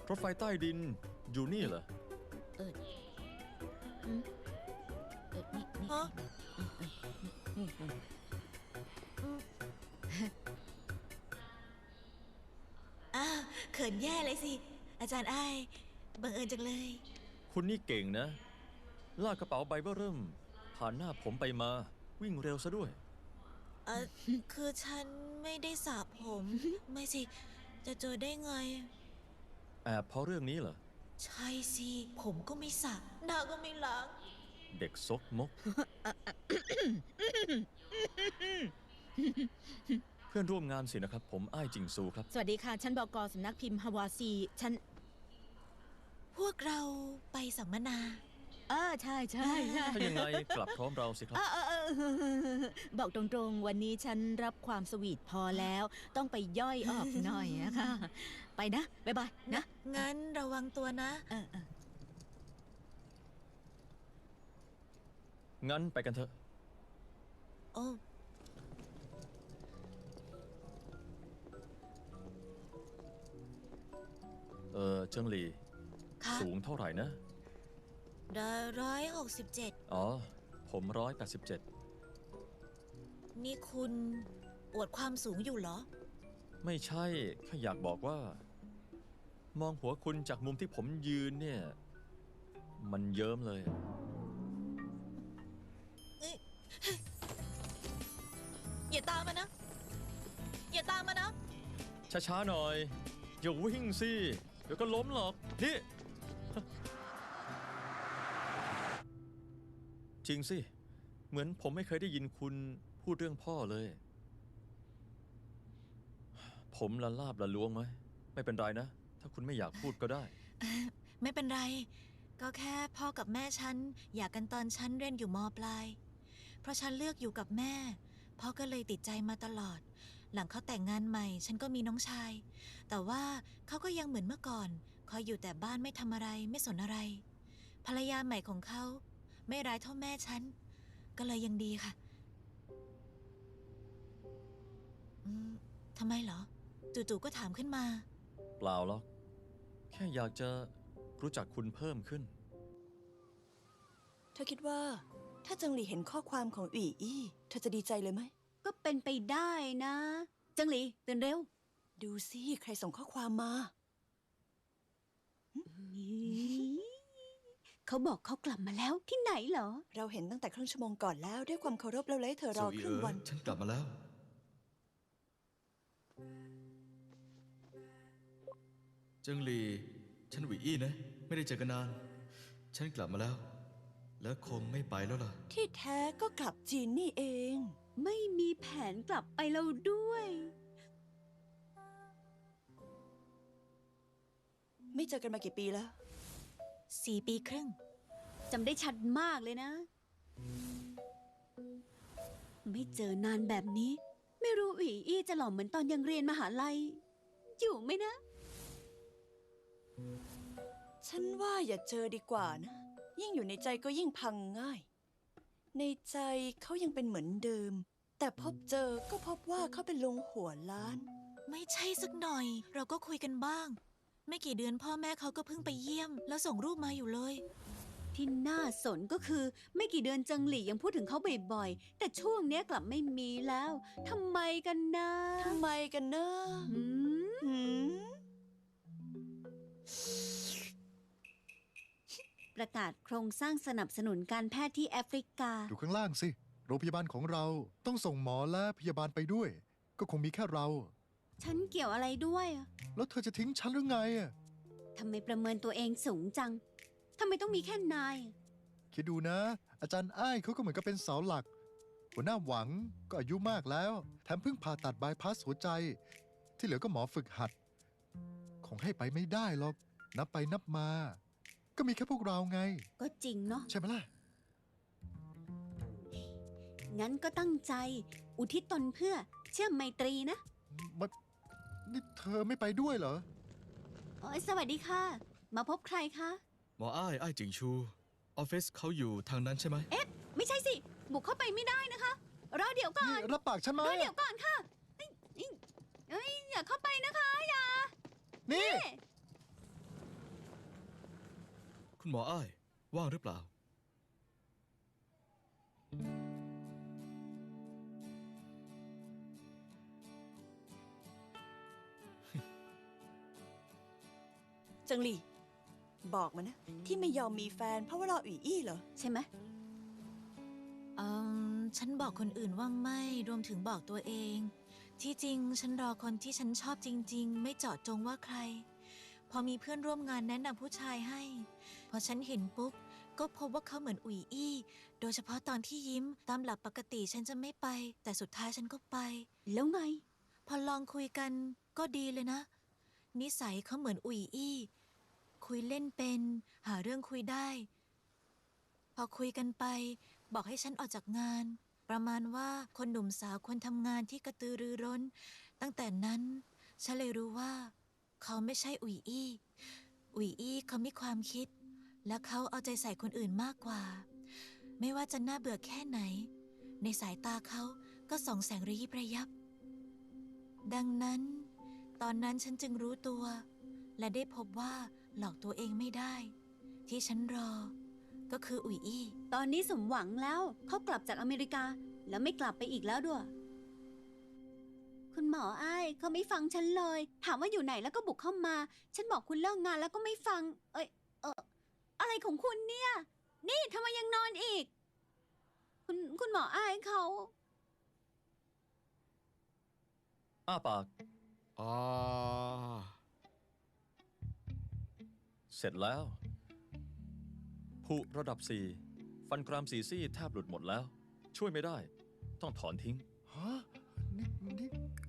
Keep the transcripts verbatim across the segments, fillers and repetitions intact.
รถไฟใต้ดินอยู่นี่เหรอเออเออนี่นี่ฮะอ้าวเขินแย่เลยสิอาจารย์อ้ายบังเอิญจังเลยคุณนี่เก่งนะลากกระเป๋าใบเบ้อเริ่มผ่านหน้าผมไปมาวิ่งเร็วซะด้วยเออคือฉันไม่ได้สระผมไม่สิจะเจอได้ไงแอบเพราะเรื่องนี้เหรอใช่สิผมก็ไม่สระหน้าก็ไม่ล้างเด็กซกมก เพื่อนร่วมงานสินะครับผมอ้ายจิงซูครับสวัสดีค่ะฉันบก.สำนักพิมพ์ฮาวาซีฉันพวกเราไปสัมมนาเออใช่ใช่ใช่ถ้ายังไงกลับพร้อมเราสิครับบอกตรงๆวันนี้ฉันรับความสวีทพอแล้วต้องไปย่อยออกหน่อยนะคะไปนะบ๊ายบายนะงั้นระวังตัวนะเออเอองั้นไปกันเถอะโอ้เออเจิงหลี่สูงเท่าไหร่นะได้ร้อยหกสิบเจ็ดอ๋อผมร้อยแปดสิบเจ็ดนี่คุณอวดความสูงอยู่เหรอไม่ใช่แค่อยากบอกว่ามองหัวคุณจากมุมที่ผมยืนเนี่ยมันเยิ้มเลยอย่าตามมานะอย่าตามมานะช้าๆหน่อยอย่าวิ่งสิเดี๋ยวก็ล้มหรอกนี่จริงสิเหมือนผมไม่เคยได้ยินคุณพูดเรื่องพ่อเลยผมละลาบละล้วงไหมไม่เป็นไรนะถ้าคุณไม่อยากพูดก็ได้ไม่เป็นไรก็แค่พ่อกับแม่ฉันอยากกันตอนฉันเรียนอยู่ม.ปลายเพราะฉันเลือกอยู่กับแม่พ่อก็เลยติดใจมาตลอดหลังเขาแต่งงานใหม่ฉันก็มีน้องชายแต่ว่าเขาก็ยังเหมือนเมื่อก่อนคอยอยู่แต่บ้านไม่ทำอะไรไม่สนอะไรภรรยาใหม่ของเขาไม่ร้ายเท่าแม่ฉันก็เลยยังดีค่ะอืมทำไมเหรอจู่ๆก็ถามขึ้นมาเปล่าหรอกแค่อยากจะรู้จักคุณเพิ่มขึ้นเธอคิดว่าถ้าเจิงหลี่เห็นข้อความของอีอี้เธอจะดีใจเลยไหมก็เป็นไปได้นะเจิงหลี่ตื่นเร็วดูสิใครส่งข้อความมาเขาบอกเขากลับมาแล้วที่ไหนเหรอเราเห็นตั้งแต่ครึ่งชั่วโมงก่อนแล้วด้วยความเคารพเราเลยเธอรอครึ่งวันฉันกลับมาแล้วเจิงหลี่ฉันหวีอี้นะไม่ได้เจอกันนานฉันกลับมาแล้วแล้วคงไม่ไปแล้วล่ะที่แท้ก็กลับจีนนี่เองไม่มีแผนกลับไปแล้วด้วยไม่เจอกันมากี่ปีแล้วสี่ปีครึ่งจำได้ชัดมากเลยนะไม่เจอนานแบบนี้ไม่รู้อีอี้จะหล่อเหมือนตอนยังเรียนมหาลัยอยู่ไหมนะฉันว่าอย่าเจอดีกว่านะยิ่งอยู่ในใจก็ยิ่งพังง่ายในใจเขายังเป็นเหมือนเดิมแต่พบเจอก็พบว่าเขาเป็นลุงหัวล้านไม่ใช่สักหน่อยเราก็คุยกันบ้างไม่กี่เดือนพ่อแม่เขาก็เพิ่งไปเยี่ยมแล้วส่งรูปมาอยู่เลยที่น่าสนก็คือไม่กี่เดือนเจิงหลี่ยังพูดถึงเขาบ่อยๆแต่ช่วงนี้กลับไม่มีแล้วทำไมกันนะทำไมกันนะหืมหืมประกาศโครงสร้างสนับสนุนการแพทย์ที่แอฟริกาดูข้างล่างสิโรงพยาบาลของเราต้องส่งหมอและพยาบาลไปด้วยก็คงมีแค่เราฉันเกี่ยวอะไรด้วยแล้วเธอจะทิ้งฉันหรือไงทำไมประเมินตัวเองสูงจังทำไมต้องมีแค่นายคิดดูนะอาจารย์อ้ายเขาก็เหมือนกับเป็นเสาหลักหัวหน้าหวังก็อายุมากแล้วแถมเพิ่งผ่าตัดบายพาสหัวใจที่เหลือก็หมอฝึกหัดคงให้ไปไม่ได้หรอกนับไปนับมาก็มีแค่พวกเราไงก็จริงเนาะใช่ไหมล่ะงั้นก็ตั้งใจอุทิศตนเพื่อเชื่อมไมตรีนะมานี่เธอไม่ไปด้วยเหรออ๋อสวัสดีค่ะมาพบใครคะหมออ้ายอ้ายจิงชูออฟฟิศเขาอยู่ทางนั้นใช่ไหมเอ๊ะไม่ใช่สิบุกเข้าไปไม่ได้นะคะรอเดี๋ยวก่อนรับปากฉันไหมรอเดี๋ยวก่อนค่ะเอ้ยอย่าเข้าไปนะคะอย่านี่คุณหมออ้าย ว่างหรือเปล่าเจิงหลี่ บอกมานะ ที่ไม่ยอมมีแฟนเพราะว่ารออุ๋ยอี้เหรอ ใช่ไหมเอืมฉันบอกคนอื่นว่าไม่รวมถึงบอกตัวเอง ที่จริงฉันรอคนที่ฉันชอบจริง ๆ ไม่เจาะจงว่าใคร พอมีเพื่อนร่วมงานแนะนำผู้ชายให้ พอฉันเห็นปุ๊บ ก็พบว่าเขาเหมือนอุ๋ยอี้ โดยเฉพาะตอนที่ยิ้มตามหลักปกติฉันจะไม่ไป แต่สุดท้ายฉันก็ไปแล้วไงพอลองคุยกันก็ดีเลยนะ นิสัยเขาเหมือนอุ๋ยอี้ คุยเล่นเป็น หาเรื่องคุยได้ พอคุยกันไป บอกให้ฉันออกจากงาน ประมาณว่าคนหนุ่มสาวควรทำงานที่กระตือรือร้น ตั้งแต่นั้นฉันเลยรู้ว่า เขาไม่ใช่อุ๋ยอี้ อุ๋ยอี้เขามีความคิด และเขาเอาใจใส่คนอื่นมากกว่า ไม่ว่าจะน่าเบื่อแค่ไหน ในสายตาเขาก็ส่องแสงระยิบระยับ ดังนั้น ตอนนั้นฉันจึงรู้ตัว และได้พบว่าหลอกตัวเองไม่ได้ ที่ฉันรอ ก็คืออุ๋ยอี้ตอนนี้สมหวังแล้วเขากลับจากอเมริกา แล้วไม่กลับไปอีกแล้วด้วย คุณหมออ้ายเขาไม่ฟังฉันเลย ถามว่าอยู่ไหนแล้วก็บุกเข้ามา ฉันบอกคุณเลิกงานแล้วก็ไม่ฟัง เอ้ยเอออะไรของคุณเนี่ย นี่ทำไมยังนอนอีก คุณคุณหมออ้ายเขาอ้าปากอ่าเสร็จแล้วผุระดับสี่ฟันกรามสีซี่แทบหลุดหมดแล้ว ช่วยไม่ได้ ต้องถอนทิ้งฮะ นี่นี่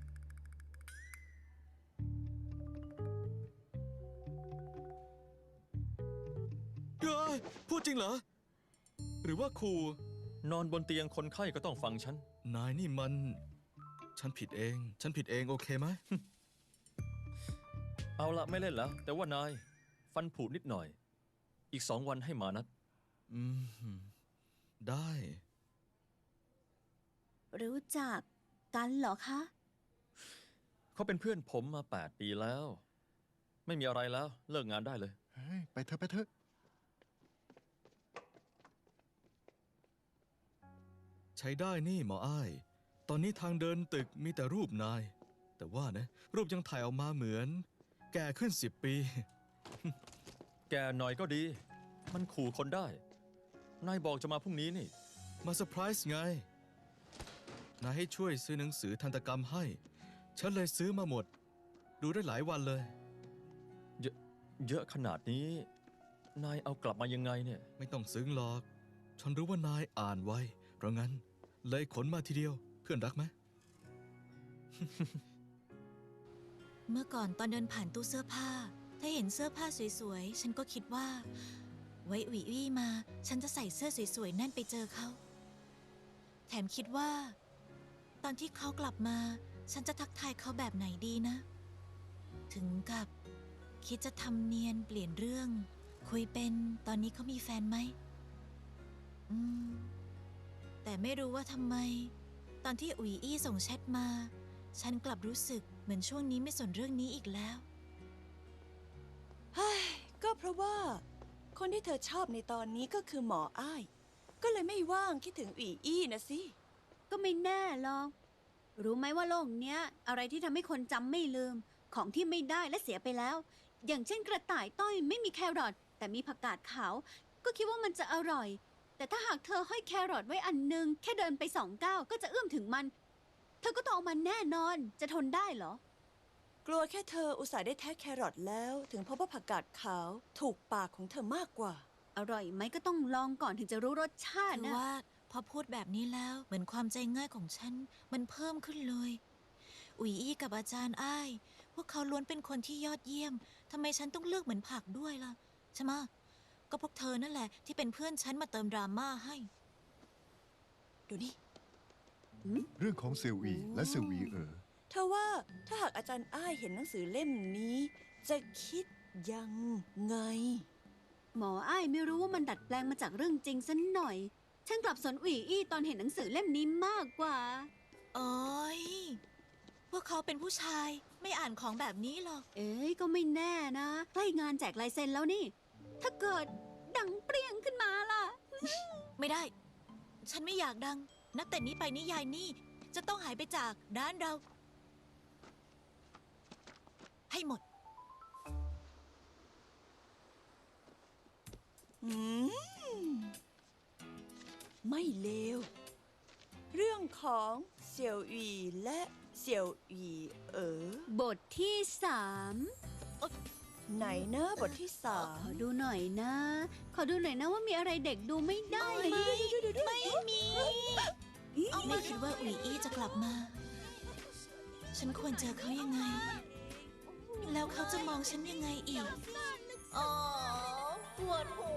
เฮ้ย พูดจริงเหรอ หรือว่าครูนอนบนเตียงคนไข้ก็ต้องฟังฉันนายนี่มัน ฉันผิดเอง ฉันผิดเองโอเคไหมเอาละไม่เล่นแล้ว แต่ว่านาย ฟันผุนิดหน่อย อีกสองวันให้มานัดอืม ได้รู้จักกันเหรอคะเขาเป็นเพื่อนผมมาแปดปีแล้ว ไม่มีอะไรแล้วเลิกงานได้เลยเฮ้ย ไปเถอะไปเถอะใช้ได้นี่หมออ้าย ตอนนี้ทางเดินตึกมีแต่รูปนาย แต่ว่านะ รูปยังถ่ายออกมาเหมือน แก่ขึ้นสิบปีแกหน่อยก็ดี มันขู่คนได้ นายบอกจะมาพรุ่งนี้นี่มาเซอร์ไพรส์ไง นายให้ช่วยซื้อหนังสือทันตกรรมให้ ฉันเลยซื้อมาหมด ดูได้หลายวันเลยเยอะเยอะขนาดนี้ นายเอากลับมายังไงเนี่ยไม่ต้องซึ้งหรอก ฉันรู้ว่านายอ่านไว เพราะงั้น เลยขนมาทีเดียว เพื่อนรักไหมเมื่อก่อนตอนเดินผ่านตู้เสื้อผ้า ถ้าเห็นเสื้อผ้าสวยๆ ฉันก็คิดว่า ไว้อุ๋ยอี้มา ฉันจะใส่เสื้อสวยๆ นั่นไปเจอเขา แถมคิดว่า ตอนที่เขากลับมา ฉันจะทักทายเขาแบบไหนดีนะ ถึงกับ คิดจะทำเนียนเปลี่ยนเรื่อง คุยเป็นตอนนี้เขามีแฟนไหม อืม แต่ไม่รู้ว่าทำไม ตอนที่อุ๋ยอี้ส่งแชทมา ฉันกลับรู้สึกเหมือนช่วงนี้ไม่สนเรื่องนี้อีกแล้วเฮ้ย ก็เพราะว่า คนที่เธอชอบในตอนนี้ก็คือหมออ้าย ก็เลยไม่ว่างคิดถึงอุ๋ยอี้นะสิก็ไม่แน่หรอก รู้ไหมว่าโลกเนี้ย อะไรที่ทำให้คนจำไม่ลืม ของที่ไม่ได้และเสียไปแล้ว อย่างเช่นกระต่ายต้อยไม่มีแครอทแต่มีผักกาดขาว ก็คิดว่ามันจะอร่อย แต่ถ้าหากเธอห้อยแครอทไว้อันหนึง แค่เดินไปสองก้าวก็จะเอื้อมถึงมัน เธอก็ต้องเอามันแน่นอน จะทนได้เหรอกลัวแค่เธออุตส่าห์ได้แท้แครอทแล้ว ถึงพบว่าผักกาดขาวถูกปากของเธอมากกว่าอร่อยไหมก็ต้องลองก่อนถึงจะรู้รสชาติคือนะว่าพอพูดแบบนี้แล้วเหมือนความใจง่ายของฉัน มันเพิ่มขึ้นเลย อุ๋ยอี้กับอาจารย์อ้าย พวกเขาล้วนเป็นคนที่ยอดเยี่ยมทำไมฉันต้องเลือกเหมือนผักด้วยล่ะ ใช่ไหมะก็พวกเธอนั่นแหละที่เป็นเพื่อนฉันมาเติมดราม่าให้ดูนี่เรื่องของเซลวีและเซลวีเอ๋อเธอว่าถ้าหากอาจารย์อ้ายเห็นหนังสือเล่มนี้ จะคิดยังไงหมออ้ายไม่รู้ว่ามันดัดแปลงมาจากเรื่องจริงสันหน่อย ฉันกลับสนอุ๋ยอี้ตอนเห็นหนังสือเล่มนี้มากกว่าโอ้ยพวกเขาเป็นผู้ชายไม่อ่านของแบบนี้หรอกเอ้ยก็ไม่แน่นะใกล้งานแจกลายเซ็นแล้วนี่ ถ้าเกิดดังเปรี้ยงขึ้นมาล่ะไม่ได้ ฉันไม่อยากดัง นับแต่นี้ไปนิยายนี่จะต้องหายไปจากร้านเรา ให้หมดอืม ไม่เลว เรื่องของเสี่ยวหยีและเสี่ยวหยีเอ๋อบทที่สามไหนนะบทที่สาขมอดูหน่อยนะ ขอดูหน่อยนะว่ามีอะไรเด็กดูไม่ได้ไหมไม่มี ไม่คิดว่าอุ๋ยอี้จะกลับมา ฉันควรเจอเขายังไง แล้วเขาจะมองฉันยังไงอีก อ๋อปวดหั